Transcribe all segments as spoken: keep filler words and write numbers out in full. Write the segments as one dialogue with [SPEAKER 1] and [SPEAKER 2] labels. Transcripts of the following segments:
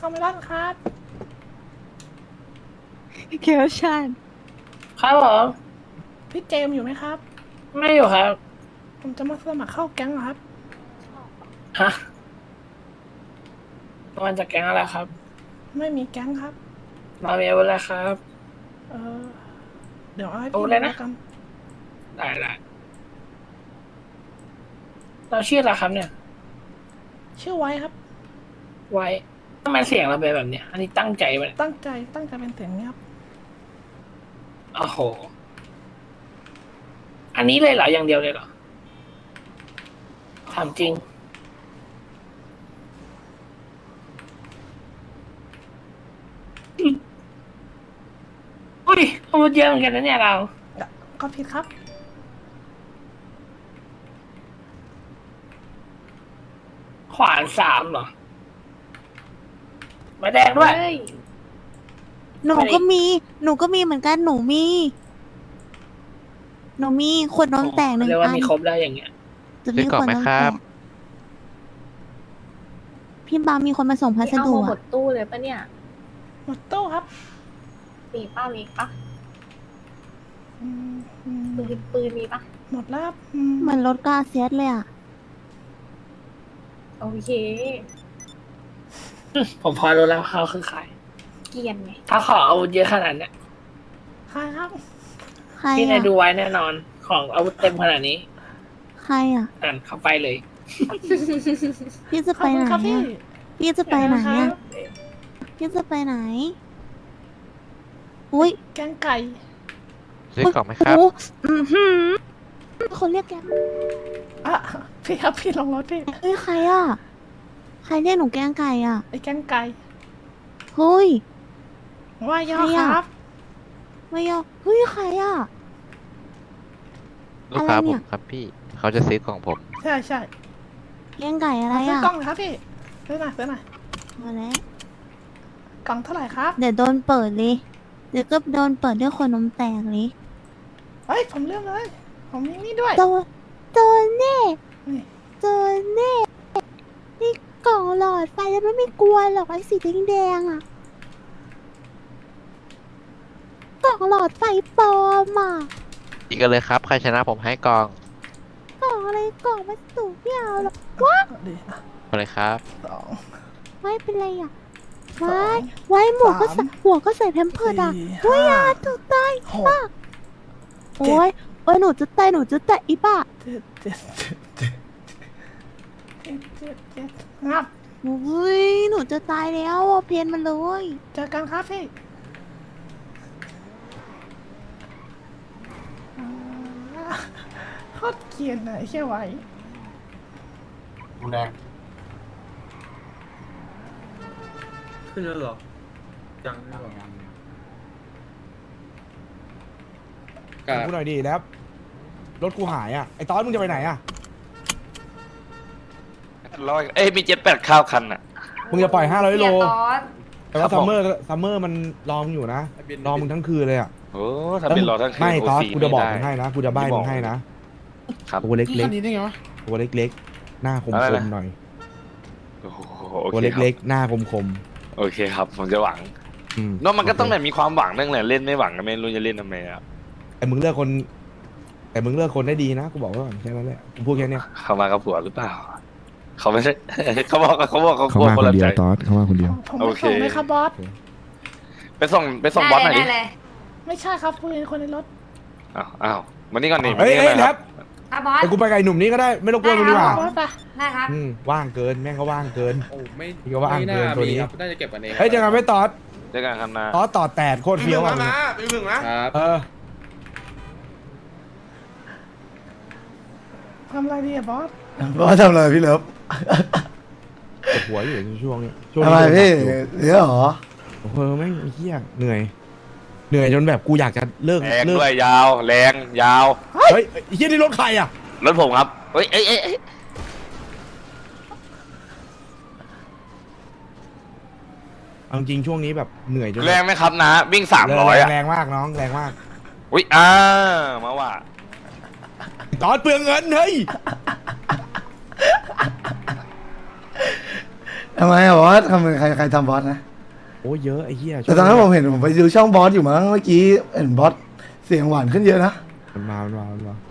[SPEAKER 1] คาเมรอนครับ
[SPEAKER 2] เคียวชัน
[SPEAKER 3] ครับผม
[SPEAKER 1] พี่เจมส์อยู่ไหมครับ
[SPEAKER 3] ไม่อยู่ครับ
[SPEAKER 1] ผมจะมาสมัครเข้าแก๊งเหรอครับ
[SPEAKER 3] ฮะมันจะแก๊งอะไรครับ
[SPEAKER 1] ไม่มีแก๊งครับ
[SPEAKER 3] มามีอาวุธอะไรครับ
[SPEAKER 1] เออเดี๋ยวเอาให้
[SPEAKER 3] เอา
[SPEAKER 1] พี่
[SPEAKER 3] เลยนะ
[SPEAKER 1] แล้วกัน
[SPEAKER 3] ได้ได้เราชื่ออะไรครับเนี่ย
[SPEAKER 1] ชื่อไว้ครับ
[SPEAKER 3] ไว้ทำไมเสียงเราเป็นแบบเนี้ยอันนี้ตั้งใจไปะเนี่ย
[SPEAKER 1] ตั้งใจตั้งใจเป็นเสียงนี้ครับ
[SPEAKER 3] โอ้โห อันนี้เลยเหรออย่างเดียวเลยเหรอถามจริงอุ้ยอาวุธเยอะเหมือนกันนะเนี่ยเรา
[SPEAKER 1] ก็ผิดครับ
[SPEAKER 3] ขวานสามเหรอไมาแดงด้วย
[SPEAKER 2] เฮ้ยหนูก็มี หนูก็มีเหมือนกัน หนูมี หนูมีขวดนมแตกหนึ่ง
[SPEAKER 3] เรียกว่า
[SPEAKER 2] อัน
[SPEAKER 3] มีครบได้อย่างเงี้ย
[SPEAKER 2] จะมีขวดนมแตกพี่บามีคนมาส่งพัส
[SPEAKER 4] เอา
[SPEAKER 2] ดุ
[SPEAKER 4] มาหม
[SPEAKER 2] อะ
[SPEAKER 4] ดตู้เลยปะเนี่ย
[SPEAKER 1] หมดตู้ครับ
[SPEAKER 4] มีป้ามีปะ
[SPEAKER 1] อืมอืม
[SPEAKER 4] ปืนปืนมีปะ
[SPEAKER 1] หมดแล้วครับอืม
[SPEAKER 2] เหมือนรถกาเซียสเลยอะ
[SPEAKER 4] โอเค
[SPEAKER 3] ผมพอรู้แล้วเขาคือใคร
[SPEAKER 4] เกรียนไง
[SPEAKER 3] ถ้าขออาวุธเยอะขนาดเนี้ย
[SPEAKER 1] ใครครับ
[SPEAKER 2] ใคร
[SPEAKER 3] พี่นาย
[SPEAKER 2] อะ
[SPEAKER 3] ดูไว้แน่นอน ของอาวุธเต็มขนาดนี้
[SPEAKER 2] ใครอะ
[SPEAKER 3] นั่นเข้าไปเลย
[SPEAKER 2] พี่จะ
[SPEAKER 1] ข
[SPEAKER 2] ไป
[SPEAKER 1] อบคุ
[SPEAKER 2] ไห
[SPEAKER 1] ณ
[SPEAKER 2] น
[SPEAKER 1] ครับพี่
[SPEAKER 2] อะพี่จะไปไหน
[SPEAKER 1] ครั
[SPEAKER 2] อะ
[SPEAKER 1] บ
[SPEAKER 2] พี่จะไปไหน อุ้ย
[SPEAKER 1] แกงไก่
[SPEAKER 5] ซื้อกล่องไหมครับ
[SPEAKER 2] โอ้อือหือคนเรียกแก
[SPEAKER 1] อ่ะพี่ครับพี่ลงรถพี่
[SPEAKER 2] เฮ้ยใครอะใครเรียกหนูแกงไก่อะ
[SPEAKER 1] ไอ้แกงไก่
[SPEAKER 2] เฮ้ย
[SPEAKER 1] ว่าย่อ
[SPEAKER 2] ใคร
[SPEAKER 1] ค
[SPEAKER 2] อะ
[SPEAKER 1] รับ
[SPEAKER 2] ไม่ยอมเฮ้ยใครอะ
[SPEAKER 5] ลูกค้า
[SPEAKER 2] อะไร
[SPEAKER 5] ผ
[SPEAKER 2] เนี่ย
[SPEAKER 5] มครับพี่ เขาจะซื้อกล่องผม
[SPEAKER 1] ใช่ใช่
[SPEAKER 2] แกงไก่อะไร
[SPEAKER 1] มาซื้อ
[SPEAKER 2] อะ
[SPEAKER 1] กล้องหน่อยครับพี่ซื้อหน่อยซื้อหน่อย
[SPEAKER 2] มาแล้ว
[SPEAKER 1] กล่องเท่าไหร่ครับ
[SPEAKER 2] เดี๋ยวโดนเปิดเลย เดี๋ยวก็โดนเปิดด้วยคนนมแตกเลย
[SPEAKER 1] เฮ้ยผมเลือกเลย ผมมีนี่ด้วย
[SPEAKER 2] โดนโดนแน่
[SPEAKER 1] นี่
[SPEAKER 2] โดนแน่นี่กล่องหลอดไฟแล้วมันไม่กลัวหรอกไอ้สีแดงๆอะกล่องหลอดไฟปลอมอะ
[SPEAKER 5] อีกกันเลยครับ ใครชนะผมให้กล่อง
[SPEAKER 2] กล่องอะไรกล่องวัสดุไม่เอาหรอกว้า
[SPEAKER 1] ดีอ่ะ
[SPEAKER 5] มาเลยครับ
[SPEAKER 1] สอง
[SPEAKER 2] ไม่เป็นไรอะ
[SPEAKER 1] สอง
[SPEAKER 2] ไว้ไว้หมวกก็ใส่
[SPEAKER 1] สาม
[SPEAKER 2] หัวก็ใส่แพมเพิร์ดอะ
[SPEAKER 1] สี่
[SPEAKER 2] เฮ้ย
[SPEAKER 1] ห้า
[SPEAKER 2] อะถูกตาย
[SPEAKER 1] หก
[SPEAKER 2] ป้าโอ้ยโอ้ยหนูจะตายหนูจะตายอีป้า
[SPEAKER 1] เจ็ดเจ็ดเจ็ดเจ็ดเจ็ดเจ็ดเจ็ดงับ
[SPEAKER 2] อุ้ยหนูจะตายแล้วอะเพนมันเลย
[SPEAKER 1] เจอกันครับพี่อ่าโคตรเกลียนอะไอ้เชี่ยไหว
[SPEAKER 6] แดง
[SPEAKER 7] ขึ้นแล้วเหรอ ยังไม่หรอ
[SPEAKER 6] กูหน่อยดีแล้ว รถกูหายอ่ะ ไอ้ตอนมึงจะไปไหนอ่ะ
[SPEAKER 8] ร้อยเอ้ยมีเจ็ดแปดข้าวคันอ่ะ
[SPEAKER 6] มึงจะปล่อยห้าร้อยโล
[SPEAKER 4] เสียตอส
[SPEAKER 6] แต่ว่า
[SPEAKER 8] ครั
[SPEAKER 6] ซั
[SPEAKER 8] บ
[SPEAKER 6] ม
[SPEAKER 8] ผม
[SPEAKER 6] เมอร์ซัมเมอร์มันรอมึงอยู่นะ รอมึงทั้งคืนเลยอ่ะ
[SPEAKER 8] โอ้ถ้าเป็นรอทั้งคืน
[SPEAKER 6] ไม่
[SPEAKER 8] โ
[SPEAKER 6] ตอน
[SPEAKER 8] สี่
[SPEAKER 6] กูจะบอก
[SPEAKER 8] ไม่
[SPEAKER 6] มึง
[SPEAKER 8] ได้
[SPEAKER 6] ให้นะ กูจะใบ้มึงให้นะ
[SPEAKER 8] ครับ
[SPEAKER 6] ตัวเล็ก
[SPEAKER 7] คันนี้ได้ไงวะ
[SPEAKER 6] ๆตัวเล็กๆ หน้าคม
[SPEAKER 8] อะไร
[SPEAKER 6] คม
[SPEAKER 8] นะ
[SPEAKER 6] หน่อย
[SPEAKER 8] โอ้โหโอ
[SPEAKER 6] ตัว
[SPEAKER 8] เคครับ
[SPEAKER 6] เล็กๆ หน้าคมคม
[SPEAKER 8] โอเคครับ ผมจะหวัง
[SPEAKER 6] ๆอืม
[SPEAKER 8] เนอะมันก็ต้องแบบมีความหวังนั่นแหละเล่นไม่หวังก็ไม่รู้จะเล่นทำไมอ่ะ
[SPEAKER 6] แต่มึงเลือกคน แต่มึงเลือกคนได้ดีนะ กูบอกไว้ก่อนแค่นั้นแหละ กูพูดแค่เนี้ย
[SPEAKER 8] เขามากับผัวหรือเปล่า เขาไม่ใช่ เขาบอกเขาบอกเขา
[SPEAKER 6] เขา
[SPEAKER 8] กลัว
[SPEAKER 6] มา
[SPEAKER 8] ค
[SPEAKER 6] คน น
[SPEAKER 8] ละ
[SPEAKER 6] เดีย
[SPEAKER 8] ใจ
[SPEAKER 6] วตอสเขามาคนเดียว
[SPEAKER 1] ผม
[SPEAKER 8] โอ
[SPEAKER 1] ไป
[SPEAKER 8] เค
[SPEAKER 1] ส่งไหมครับบอส
[SPEAKER 8] ไปส่งไปส่งบอสหน่อยดิ
[SPEAKER 4] ได้เลย
[SPEAKER 1] ไม่ใช่ครับคุยกับคนในรถ
[SPEAKER 8] อ้าวอ้าวมานี่ก่อนนี่มา
[SPEAKER 6] เฮ้ย
[SPEAKER 8] นี่
[SPEAKER 6] เฮ้ย
[SPEAKER 8] ก่อน
[SPEAKER 6] แล้
[SPEAKER 8] คว รับ
[SPEAKER 4] อ่ะบอส
[SPEAKER 6] ไอ้กูไปกับไอ้หนุ่มนี้ก็ได้ ไม่ต้องกลัวมึงดีกว่า
[SPEAKER 1] บอสไป
[SPEAKER 4] ได้ครับ
[SPEAKER 6] อืมว่างเกิน แม่งก็ว่างเกิน
[SPEAKER 7] โอ้ไม่
[SPEAKER 6] พี่ก็ว่าอ่างเกินตัวนี้
[SPEAKER 7] ครับน่าจะเก็บกันเอง
[SPEAKER 6] เฮ้ยเจอกันไหม่ตอส
[SPEAKER 8] เจอกันครับนะ
[SPEAKER 6] ตอสต่อแตดโคตรเฟี้ยวอ่ะ
[SPEAKER 7] ไปมึงนะครับ
[SPEAKER 6] เออ
[SPEAKER 1] ทำอะไรดีอะบอส
[SPEAKER 9] บอสทำอะไรพี่เลิฟ
[SPEAKER 6] ปวดหัวอยู่ช่วงนี้ช่วง
[SPEAKER 9] ทำไม
[SPEAKER 6] นี้
[SPEAKER 9] พี่เดี๋ยวเหรอ
[SPEAKER 6] โอ้โหแม่งเฮียเหนื่อย เหนื่อยจนแบบกูอยากจะเลิก
[SPEAKER 8] แรง
[SPEAKER 6] เลิก
[SPEAKER 8] ด้วยยาวแรงยาว
[SPEAKER 6] เฮ้ยไอ้เฮียนี่รถใครอ่ะ
[SPEAKER 8] รถผมครับเฮ้ยเอ้ยเอ้ยเอ้ย
[SPEAKER 6] เอาจริงช่วงนี้แบบเหนื่อยจน
[SPEAKER 8] แรงไหมครับนะ วิ่งสามร้อย
[SPEAKER 6] แง
[SPEAKER 8] อ่ะ
[SPEAKER 6] แรงมากน้องแรงมาก
[SPEAKER 8] อุ้ยอ่ามาว่า
[SPEAKER 6] ตอนเปลืองเงินเฮ้ย
[SPEAKER 9] ทำไมอะบอสทำไมใครใครทำบอสนะ
[SPEAKER 6] โอ้เยอะไอ้เหี้ย
[SPEAKER 9] แต่ตอนนั้นผมเห็นผมไปดูช่องบอสอยู่มั้งเมื่อกี้เห็นบอสเสียงหวานขึ้นเยอะนะ
[SPEAKER 6] มันมามันมามันมา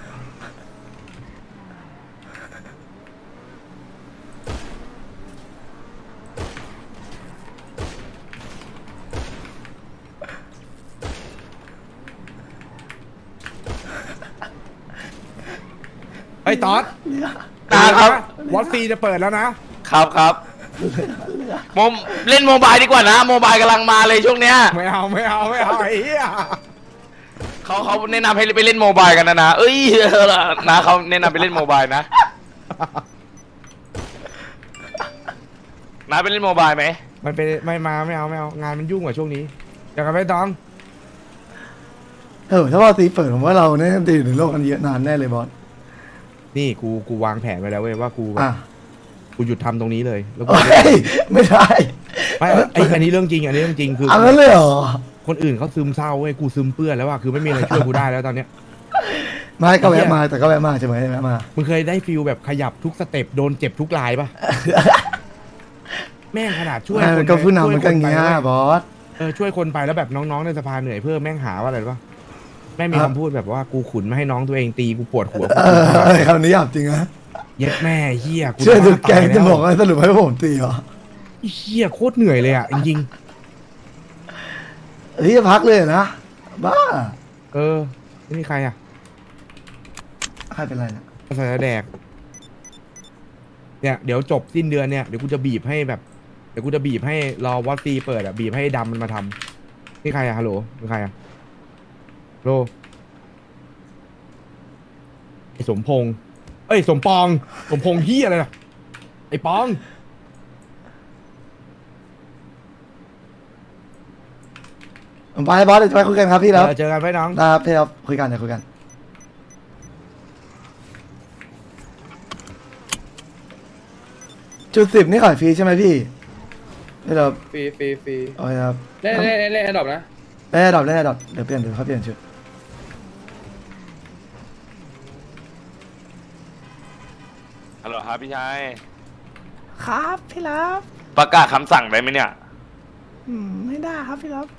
[SPEAKER 6] ไอ้ตอด
[SPEAKER 8] นะครับ
[SPEAKER 6] วอตซีจะเปิดแล้วนะครับ
[SPEAKER 8] ครับโมเล่นโมบายดีกว่านะโมบายกำลังมาเลยช่วงเนี้ย
[SPEAKER 6] ไม่เอาไม่เอาไม่เอาไอ้เหี้ย
[SPEAKER 8] เขาเขาแนะนำให้ไปเล่นโมบายกันนะนะเอ้ยนะเขาแนะนำไปเล่นโมบายนะนะไปเล่นโมบายไหม
[SPEAKER 6] มันเป็นไม่มาไม่เอาไม่เอางานมันยุ่งกว่าช่วงนี้อยากกันไปตอง
[SPEAKER 9] เออถ้าบอสตีเปิดผมว่าเราเนี่ยตีอยู่ในโลกกันเยอะนานแน่เลยบอส
[SPEAKER 6] นี่กูกูวางแผนไว้แล้วเว้ยว่ากูแบบ
[SPEAKER 9] อ่ะ
[SPEAKER 6] กูหยุดทำตรงนี้เลยแล้วกู
[SPEAKER 9] เฮ้ยไม่ได้
[SPEAKER 6] ไม่ไอ้อันนี้เรื่องจริงอันนี้เรื่องจริงคือ
[SPEAKER 9] เอางั้นเลยเหรอ
[SPEAKER 6] คนอื่นเขาซึมเศร้าเว้ยกูซึมเปื้อนแล้วว่าคือไม่มีอะไรช่วยกูได้แล้วตอนเนี้ย
[SPEAKER 9] ไม่ก็แวะมาแต่ก็แวะมาใช่ไหมแวะมา
[SPEAKER 6] มึงเคยได้ฟิลแบบขยับทุกสเต็ปโดนเจ็บทุกลายปะ แม่งขนาดช่วย
[SPEAKER 9] ไม่
[SPEAKER 6] ค
[SPEAKER 9] มัน นก็ผู้นำมันก็
[SPEAKER 6] ช่วยค
[SPEAKER 9] เงี้ย
[SPEAKER 6] ไป
[SPEAKER 9] บอส
[SPEAKER 6] เออช่วยคนไปแล้วแบบน้องๆในสภาเหนื่อยเพิ่มแม่งหาว่าอะไรปะแม่งมี
[SPEAKER 9] ครับ
[SPEAKER 6] คำพูดแบบว่ากูขุนไม่ให้น้องตัวเองตีกูปวดหัว
[SPEAKER 9] เออคำนี้หยาบจริงนะ
[SPEAKER 6] เย็ดแม่เฮียกู
[SPEAKER 9] ช่วย
[SPEAKER 6] จะ
[SPEAKER 9] ดู
[SPEAKER 6] บ้า
[SPEAKER 9] แกง
[SPEAKER 6] ตาย
[SPEAKER 9] จะ
[SPEAKER 6] แล้ว
[SPEAKER 9] บอกว่าสรุปให้ผมตีเหรอ
[SPEAKER 6] เฮียโคตรเหนื่อยเลยอ่ะจริง
[SPEAKER 9] เฮ้ยพักเลยนะบ้า
[SPEAKER 6] ๆเออไม่มีใครอ่ะ
[SPEAKER 9] ใครเป็นไรนะ
[SPEAKER 6] ภาษาแดกเนี่ยเดี๋ยวจบสิ้นเดือนเนี่ยเดี๋ยวกูจะบีบให้แบบเดี๋ยวกูจะบีบให้รอวอตซีเปิดอ่ะบีบให้ดำมันมาทำนี่ใครอ่ะฮัลโหลเป็นใครอ่ะโลไอ้สมพงษ์เอ้ยสมปองสมพงษ์เฮียอะไรล่ะไอ้ปอง
[SPEAKER 9] ผมไปบอสเดี๋ยวจะไปคุยกันครับพี่แล้ว
[SPEAKER 6] เออเจอกันไว้น้อง
[SPEAKER 9] นะครับพี่ครับคุยกันเดี๋ยวคุยกันจุดสิบนี่ขายฟรีใช่ไหมพี่พี่ครับ
[SPEAKER 7] ฟรีฟรีฟรี
[SPEAKER 9] โอ้ยครับ
[SPEAKER 7] เล่นเล่นเล่นเล่นดอกนะ
[SPEAKER 9] ได้ดอกได้ดอกเดี๋ยวเปลี่ยนเดี๋ยวเขาเปลี่ยนชุด
[SPEAKER 8] ฮัลโหลครับพี่ชาย
[SPEAKER 1] ครับพี่รับ
[SPEAKER 8] ประกาศคำสั่งได้ไหมเนี่ย
[SPEAKER 1] อืมไม่ได้ครับพี่รับ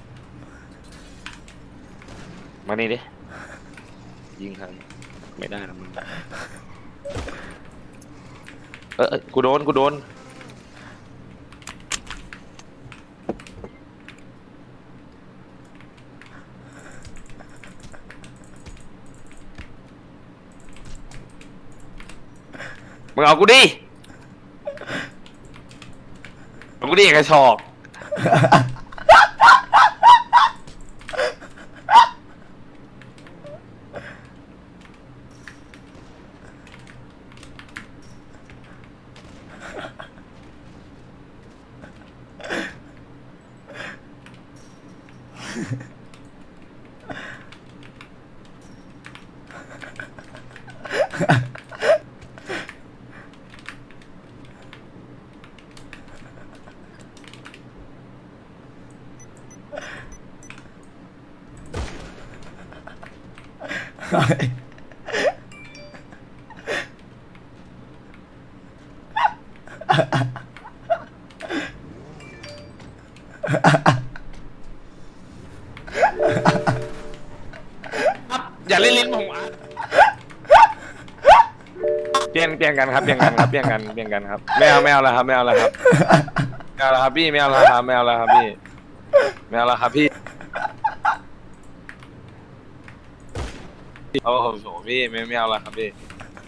[SPEAKER 8] มานี่ดิยิงครับไม่ได้นะมึงเออเออกูโดนกูโดนมึงเอากูดิเอากูดิกระชอก อย่าเล่นลิ้นผมอ่ะเปลี่ยนเปลี่ยนกันครับเปลี่ยนกันครับเปลี่ยนกันเปลี่ยนกันครับไม่เอาไม่เอาแล้วครับไม่เอาแล้วครับไม่เอาแล้วครับพี่ไม่เอาแล้วครับไม่เอาแล้วครับพี่ไม่เอาแล้วครับพี่โอ้โหพี่ไม่ไม่เอาแล้วครับพี่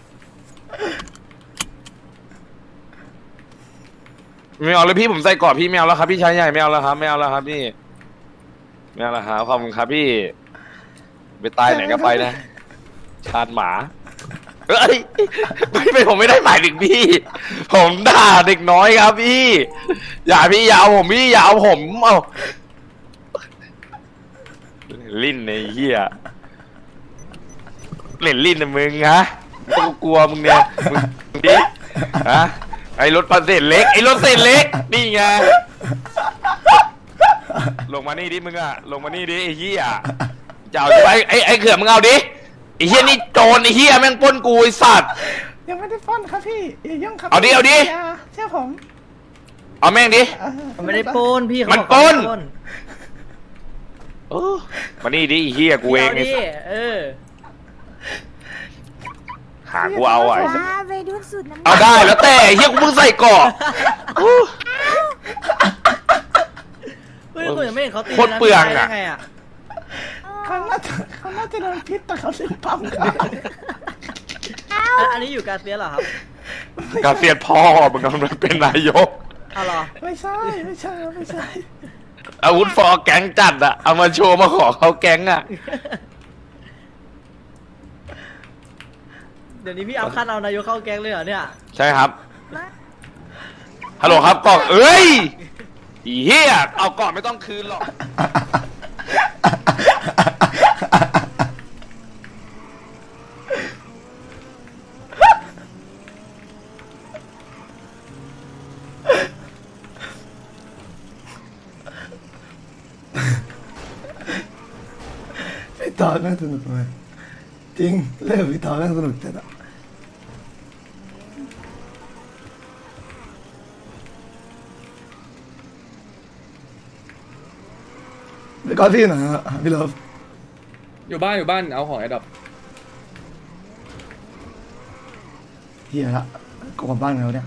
[SPEAKER 8] ไม่เอาเลยพี่ผมใส่กรอบพี่ไม่เอาแล้วครับพี่ชายใหญ่ไม่เอาแล้วครับไม่เอาแล้วครับพี่ไม่เอาแล้วครับขอบคุณครับพี่ไปตายไหนก็ไปนะชาญหมาเอ้ยไม่ไม่ผมไม่ได้หมายถึงพี่ผมด่าเด็กน้อยครับพี่อย่าพี่อย่าเอาผมพี่อย่าเอาผมเอาลิ้นในเหี้ยเล่นลิ้นนะมึงฮะกูกลัวมึงเนี่ยมึงดิฮะไอ้รถปันเศษเล็กไอ้รถเศษเล็กนี่ไงลงมานี่ดิมึงอะลงมานี่ดิไอ้เหี้ยจะเอาไอ้ไอ้ไอ้เขื่อนมึงเอาดิไอ้เหี้ยนี่โจรไอ้เหี้ยแม่งปล้นกูไอ้สัตว์
[SPEAKER 1] ยังไม่ได้ป้อนครับพี่อย่ายุ่งครับ
[SPEAKER 8] เอาดิเอาดิ
[SPEAKER 1] ย่เชื่อผม
[SPEAKER 8] เอาแม่งดิ
[SPEAKER 3] มันไม่ได้ปล้นพี่เขา
[SPEAKER 8] มัน
[SPEAKER 3] บอก
[SPEAKER 8] ปล้น
[SPEAKER 3] เขาไม่ได้
[SPEAKER 8] เออมานี่ดิไอ้เฮียกูเองไอ้
[SPEAKER 3] พี่
[SPEAKER 8] สัส
[SPEAKER 3] เออ
[SPEAKER 8] หากูเอาอ่ะไอ้สัส
[SPEAKER 2] ว้าไปดูสุดน้ำ
[SPEAKER 8] เอาได้แล้วแต่ไอ้เฮียกูเพิ่งใส่เกราะ
[SPEAKER 3] เฮ้ยคุณยังไม่เห็นเขาตี
[SPEAKER 8] โคตรเปลืองอะ
[SPEAKER 3] ได้ไงอะ
[SPEAKER 1] เขาน่าจะเขาน่าจะโดนพิษแต่เขาลืมปั๊มกัน
[SPEAKER 3] อันอันนี้อยู่กาเซียสเหรอครับ
[SPEAKER 8] กาเซียนพ่อมึงกำลังเป็นนายก
[SPEAKER 3] เอาเหรอ
[SPEAKER 1] ไม่ใช่ไม่ใช่ไม่ใช่
[SPEAKER 8] อาวุธฟอร์แก๊งจัดอะเอามาโชว์มาขอเขาแก๊งอะ
[SPEAKER 3] เดี๋ยวนี้พี่เอาขั้นเอานายกเข้าแก๊งเลยเหรอเนี่ย
[SPEAKER 8] ใช่ครับฮัลโหลครับกล่องเอ้ยอีเฮียเอาก่อนไม่ต้องคืนหรอก
[SPEAKER 9] พี่ต่อแม่งสนุกเลยจริงเล่นกับพี่ต่อแม่งสนุกจัดอะไปก่อนพี่หน่อยฮะพี่เลิฟ
[SPEAKER 7] อยู่บ้านอยู่บ้านเอาของไอ้ดอก
[SPEAKER 9] เฮียละกลับบ้านแล้วเนี่ย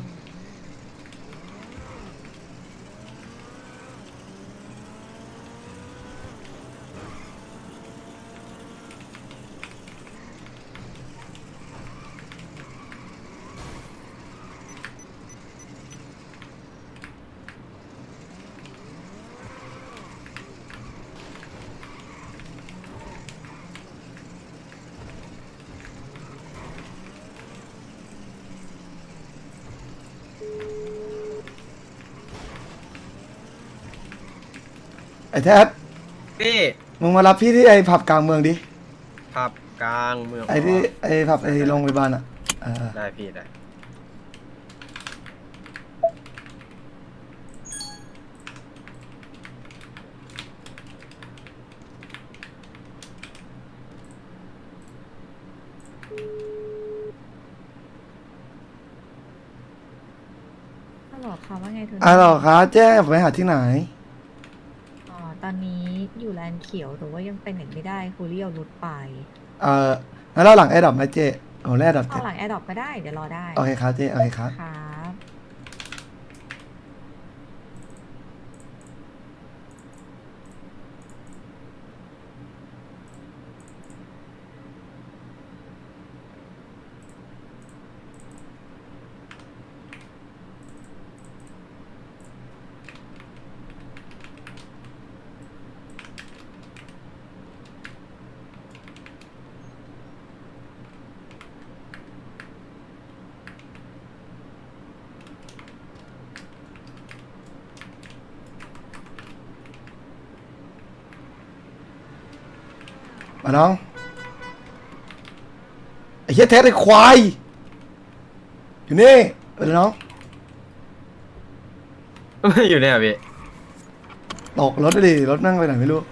[SPEAKER 9] ไอ้แท็บ
[SPEAKER 7] พี่
[SPEAKER 9] มึงมารับพี่ที่ไอ้ผับกลางเมืองดิ
[SPEAKER 7] ผับกลางเมือง
[SPEAKER 9] ไอ้ที่ไอ้ผับไอ้โรงพยาบาลอ่ะเออ
[SPEAKER 7] ได้พี่ได้
[SPEAKER 10] ฮัลโหลค่ะว่าไงทุน
[SPEAKER 9] อ่ะหรอคะแจ้งไปหาที่ไหน
[SPEAKER 10] อ๋อตอนนี้อยู่แลนด์เขียวแต่ว่ายังไปไหนไม่ได้คูเรียวรุดไป
[SPEAKER 9] เออแล้วเราหลังไอ้ดอกไหมเจ๊โอ้แร่ดอก
[SPEAKER 10] เอาหลังแอร์ดรอปก็ได้เดี๋ยวรอได้
[SPEAKER 9] โอเคครับเจ๊โอเคครับ
[SPEAKER 10] ครับ
[SPEAKER 9] มาน้องไอ้เหี้ยแท้ไอ้ควายอยู่นี่ไปเลยน้อง
[SPEAKER 7] อยู่เนี่ยพี่
[SPEAKER 9] ตกรถดิรถนั่งไปไหนไม่รู้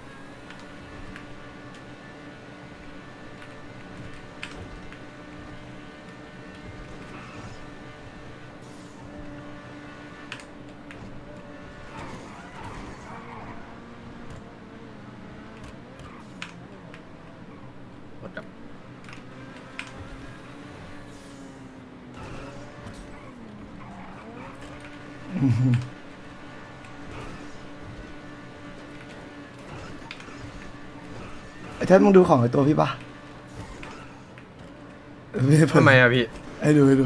[SPEAKER 9] ไอ้แท้มึงดูของไอ้ตัวพี่ปะเออไม่
[SPEAKER 7] ทำไมอะพี่
[SPEAKER 9] ให้ดูให้ดู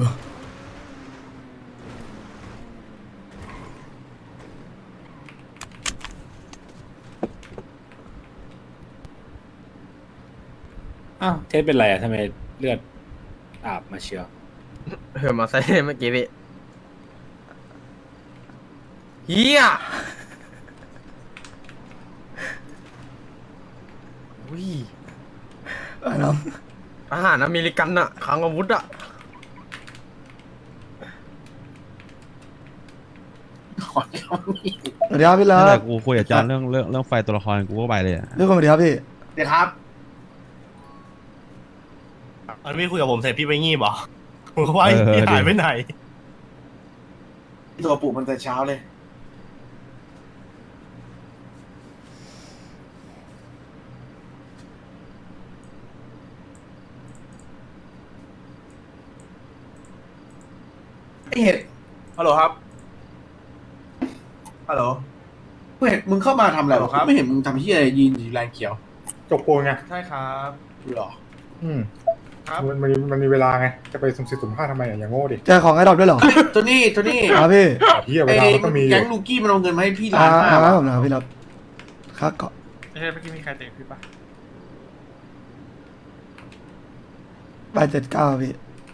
[SPEAKER 11] อ้าวเทสเป็นไรอ่ะทำไมเลือดอาบมาเชียว
[SPEAKER 7] เหินมาใส่เมื่อกี้พี่เฮียอุ้ย
[SPEAKER 9] ไอ้น้อง
[SPEAKER 7] อาหารอเมริกันอะคลังอาวุธอะ
[SPEAKER 9] สวัสดีครับพี่เลิ
[SPEAKER 12] นั่นแห
[SPEAKER 9] ฟ
[SPEAKER 12] ละกูคุยกับจอนเรื่องเรื่องเรื่องไฟตัวละครกูก็ไปเลยอะ
[SPEAKER 9] เรื่องคนสวัสดีครับพี่
[SPEAKER 1] เดี๋ยวครับ
[SPEAKER 11] อันพี่คุยกับผมเสร็จพี่ไปงีบเหรอผมก็ว่าพี่หายไปไหน
[SPEAKER 1] ตัวปลูกมันแต่เช้าเลยไอเห็ดฮัลโหลครับฮัลโหลกูเห็นมึงเข้ามาทำอะไรวะไม่เห็นมึงทำที่อะไรยืนอยู่แลนเขียว
[SPEAKER 7] จกปูนไง
[SPEAKER 1] ใช่ครับหรอ
[SPEAKER 7] อืม
[SPEAKER 1] ครับ
[SPEAKER 7] มันมันมันมีเวลาไง จะไปสุ่มสี่สุ่มห้าทำไมอ่ะอย่างโง่ดิ
[SPEAKER 9] เจอของไอ้ดอกด้วยเหรอ
[SPEAKER 1] ตัวนี้ตัวนี้
[SPEAKER 9] ครับพี่
[SPEAKER 7] เฮียเว
[SPEAKER 1] ไอ้
[SPEAKER 7] ลามันต้องมีอ
[SPEAKER 1] แก๊
[SPEAKER 7] ยู่
[SPEAKER 1] งลูกี้มันเอาเงินมาให้พี่
[SPEAKER 9] อ่า
[SPEAKER 1] ล้านห้า
[SPEAKER 9] อ่า
[SPEAKER 1] บาท
[SPEAKER 9] ผมนะครับพี่รับค่าเกาะ
[SPEAKER 1] ไม่ใช่เมื่อกี้มีใครเตะพี่ปะ
[SPEAKER 9] ใบเจ็ดเก้าพี่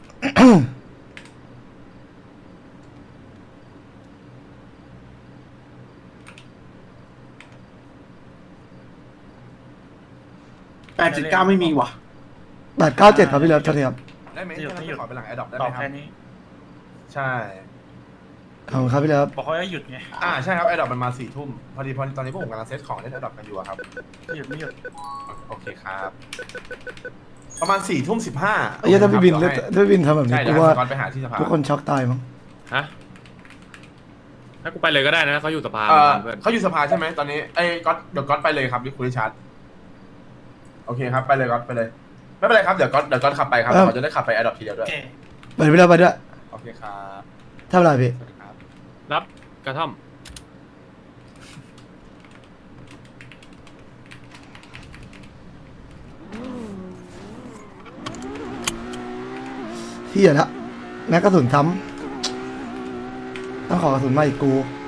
[SPEAKER 1] แปดจุดเก้าไม่มีว่ะ
[SPEAKER 9] แปดเก้าเจ็ดครับพี่รับเท่าไหร่ครับ
[SPEAKER 1] ได้ไหมจะไม่ขอไปหลังแอดดอปได้ไหมครับใช่
[SPEAKER 9] ขอบคุณครับพี่รับ
[SPEAKER 1] บอกเขาจะหยุดไงอ่าใช่ครับแอดดอปมันมาสี่ทุ่มพอดีพอดีตอนนี้พวกผมกำลังเซตของเล่นแอดดอปกันอยู่อะครับหยุดไม่หยุดโอเคครับประมาณสี่ทุ่มสิบห้า
[SPEAKER 9] ไอ้เหี้ยถ้าพี่บินแล้วถ้าพี่บินทำแบบนี้
[SPEAKER 1] ใช่
[SPEAKER 9] กู
[SPEAKER 1] เดี๋ยว
[SPEAKER 9] ว่า
[SPEAKER 1] ให้ก่อนไปหาที่สภา
[SPEAKER 9] ทุกคนช็อกตายมั้ง
[SPEAKER 11] ฮะถ้ากูไปเลยก็ได้นะเขาอยู่สภา
[SPEAKER 1] เออ
[SPEAKER 11] เพื่อน
[SPEAKER 1] เขาอยู่สภาใช่ไหมตอนนี้ไอ้ก๊อตเดี๋ยวก๊อตไปเลยครับที่คุณริชาร์ดโอเคครับไปเลยก๊อตไปเลยไม่เป็นไรครับเดี๋ยวก๊อตเดี๋ยวก๊อตขับไปครับเขาจะได้ขับไปแอดดอปทีเดียวด้วย
[SPEAKER 9] ไปพี่รับไปด้วย
[SPEAKER 1] โอเคครับ
[SPEAKER 9] ทำอะไรพี่
[SPEAKER 1] สวัสดีครับ
[SPEAKER 11] รับกระท่อม
[SPEAKER 9] เฮียละแม็กกระสุนซ้ำต้องขอกระสุนมาอีกกู